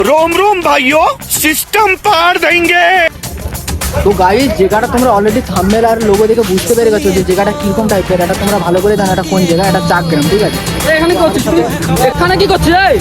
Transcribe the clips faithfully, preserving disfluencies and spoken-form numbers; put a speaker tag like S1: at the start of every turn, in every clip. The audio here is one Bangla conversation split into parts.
S1: रोम रोम भाइयों, सिस्टम पार देंगे।
S2: তো গাইস জায়গাটা তোমরা অলরেডি থাম্বনেল আর লোগো দেখে বুঝতে পেরে গেছো যে জায়গাটা কিরকম টাইপের। এটা তোমরা ভালো করে জানো এটা কোন জায়গা। এটা চাকগ্রাম, ঠিক আছে।
S3: এখানে কি করছিস তুই? এখানে কি করছিস? এই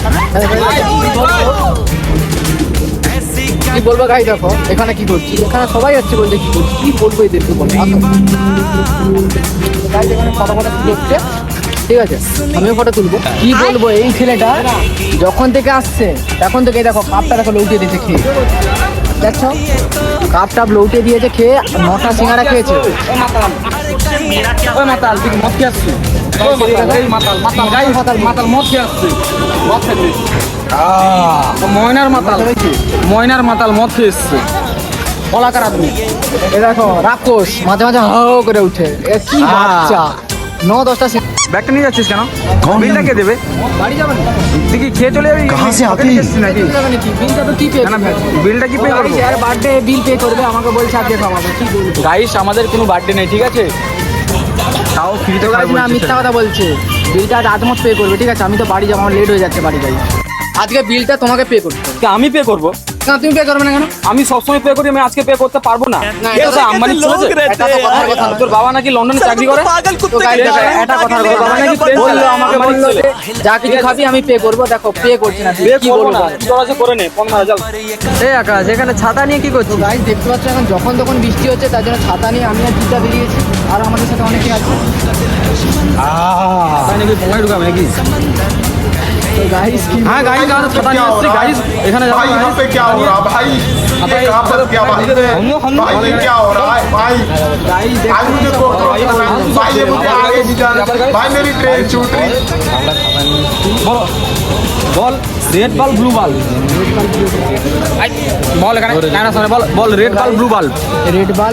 S2: কি বলবো গাই, দেখো এখানে কি করছি। এখানে সবাই যাচ্ছে বলতে কি করছি, কি বলবো এদেরকে বলো। আসো গাইস, এখানে ফটো ফটো তুলছে, ঠিক আছে। আমিও ফটো তুলবো। কি বলবো, এই ছেলেটা যখন থেকে আসছে তখন থেকে দেখো কাপটা দেখো লৌটিয়ে দিয়েছে খেয়ে। দেখছো কাপ টাপ লৌটিয়ে দিয়েছে খেয়ে, নটা সিঙ্গারা খেয়েছে।
S3: ওই মাতাল তুই মদ খেয়ে আসছিস? ওই মাতাল, এই মাতাল মাতাল গাই মাতাল মাতাল মদ খেয়ে আসছিস? মদ খেয়ে ময়নার মাতাল, ময়নার মাতাল মদ খেয়ে এসছে। কলাকার আদমি
S2: এ দেখো রাক্ষস মাঝে মাঝে হাও করে উঠে। এ কি বাচ্চা, ন দশটা
S3: ব্যাগটা নিয়ে যাচ্ছিস কেন? বিলটা কে দেবে?
S2: বাড়ি যাবে না?
S3: তুই কি খেয়ে চলে যাবি?
S4: কাহা সে আতে
S3: এসছিস নাকি?
S2: যাবে নাকি? বিলটা তো কি পে
S3: না, না, বিলটা কি পে করবো?
S2: আর বার্থডে বিল পে করবে, আমাকে বলছে আজকে খাওয়াবে। কি বলবো
S3: গাইস, আমাদের কোনো বার্থডে নেই, ঠিক আছে? তাও ফ্রিতে
S2: গাইস, না মিথ্যা কথা বলছে। বিলটা আজ আজমত পে করবে, ঠিক আছে। আমি তো বাড়ি যাবো, আমার লেট হয়ে যাচ্ছে বাড়ি যাই। আজকে বিলটা তোমাকে পে করতে হবে।
S3: আমি পে করবো?
S2: না তুমি পে করবে না কেন?
S3: আমি সবসময় পে করি, আমি আজকে পে করতে পারবো না।
S2: এটা তো
S3: আম্বানি
S2: এটা তো কথার কথা না।
S3: তোর বাবা নাকি লন্ডনে চাকরি করে?
S2: তো গাইস দেখো, এটা কথার কথা। বাবা নাকি বললো, আমাকে বললো যে যা কিছু খাবি আমি পে করবো। দেখো পে করছে না,
S3: পে
S2: কি
S3: করবো
S2: বলবো
S3: না, তোরা যে করে নে পনেরো হাজার।
S2: এই আকাশ এখানে ছাতা নিয়ে কি করছিস? গাইস দেখতে পাচ্ছ এখন যখন তখন বৃষ্টি হচ্ছে, তার জন্য ছাতা নিয়ে আমি আর জিতা বেরিয়েছি। আর আমাদের সাথে অনেকে আছে।
S3: তাই নাকি পঙ্গাই ঢুকাবে নাকি?
S2: তো গাইস কি
S3: হ্যাঁ গাইস, আমরা ছাতা নিয়ে আসছি গাইস। এখানে যাবো
S4: भाई यहाँ पे क्या हो रहा है भाई? ये कहाँ पर क्या भाई? भाई ये क्या हो रहा है भाई?
S2: গাইস
S4: भाई मुझे को भाई ये मुझे आगे भी जाना भाई, मेरी ट्रेन छूट रही।
S3: বলো বল, রেড বাল্ব ব্লু বাল্ব বল। এখানে ক্যামেরা সামনে বল, বল red bulb blue bulb.
S2: Red বাল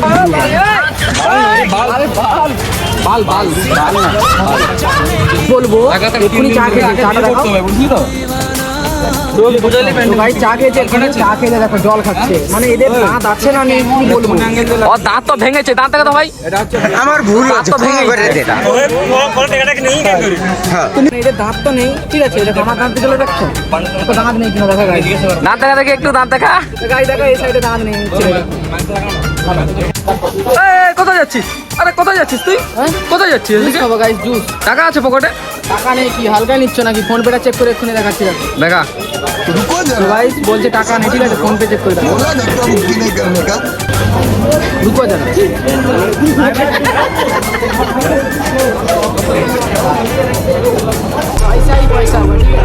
S3: বাল বাল বাল না
S2: বলবো এক্ষুনি চা খেয়েছি, চাটা দেখো।
S3: বুঝলি তো?
S2: ভাই চা খেয়েছে, এখানে চা খেয়ে দেখো জল খাচ্ছে। মানে এদের দাঁত আছে না নেই কি বলবো।
S3: ও দাঁত তো ভেঙেছে, দাঁত দেখা তো ভাই।
S4: আমার ভুল
S3: হচ্ছে, ক্ষমা করে দে এটা।
S2: তুমি এদের দাঁত তো নেই, ঠিক আছে। এটা আমার দাঁত দিকে দেখছো তো দাঁত নেই কিনা দেখা গাই।
S3: দাঁত দেখা দেখে একটু দাঁত দেখা।
S2: গাই দেখো এই সাইডে দাঁত নেই।
S3: এই, কোথায় যাচ্ছিস? আরে কোথায় যাচ্ছিস তুই?
S2: হ্যাঁ?
S3: কোথায় যাচ্ছিস? এদিকে?
S2: খাবো গাইস জুস।
S3: টাকা আছে পকেটে?
S2: টাকা নেই কি হালকায় নিচ্ছ নাকি? ফোন পেটা চেক করে এক্ষুনি দেখাচ্ছি।
S3: দেখা।
S2: গাইস বলছে টাকা নেই, ঠিক আছে। ফোন পে চেক করে দেখো।
S4: बोला ना कम बुकिंग नहीं करने का।
S2: रुको जरा। पैसा ही पैसा हुआ, ठीक है।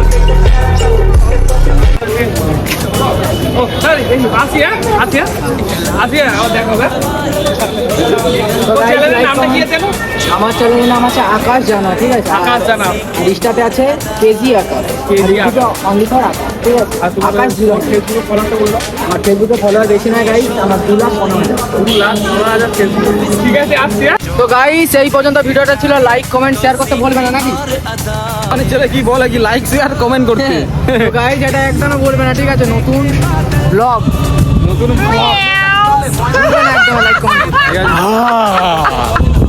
S3: ও সরি, আসি হ্যাঁ, আসি হ্যাঁ, আসি হ্যাঁ, আবার দেখা হবে।
S2: তো guys,
S3: চ্যানেলের
S2: like,
S3: নামটা কি
S2: comment-
S3: আছে?
S2: আমার চ্যানেলের নাম আছে আকাশ জানা, ঠিক আছে।
S3: আকাশ জানা।
S2: লিস্টাতে আছে KG Akash,
S3: KG Akash.
S2: Only for Akash, ঠিক আছে।
S3: আর তোমার
S2: আকাশ জিরো।
S3: ফেসবুকে ফলোটা বললো।
S2: আমার ফেসবুকে ফলোয়ার বেশি নয় গাইস, আমার দু লাখ পনেরো হাজার।
S3: দু লাখ পনেরো হাজার ফেসবুক। ঠিক আছে, আসছি হ্যাঁ।
S2: তো গাইস এই পর্যন্ত ভিডিওটা ছিল। লাইক কমেন্ট শেয়ার করতে ভুলবে না নাকি?
S3: মানে ছেলে কি বলে কি লাইক শেয়ার কমেন্ট করতে।
S2: তো গাইস এটা একদমই বলবে না, ঠিক আছে। নতুন ব্লগ,
S3: নতুন
S2: একদম লাইক কমেন্ট।
S3: ঠিক আছে।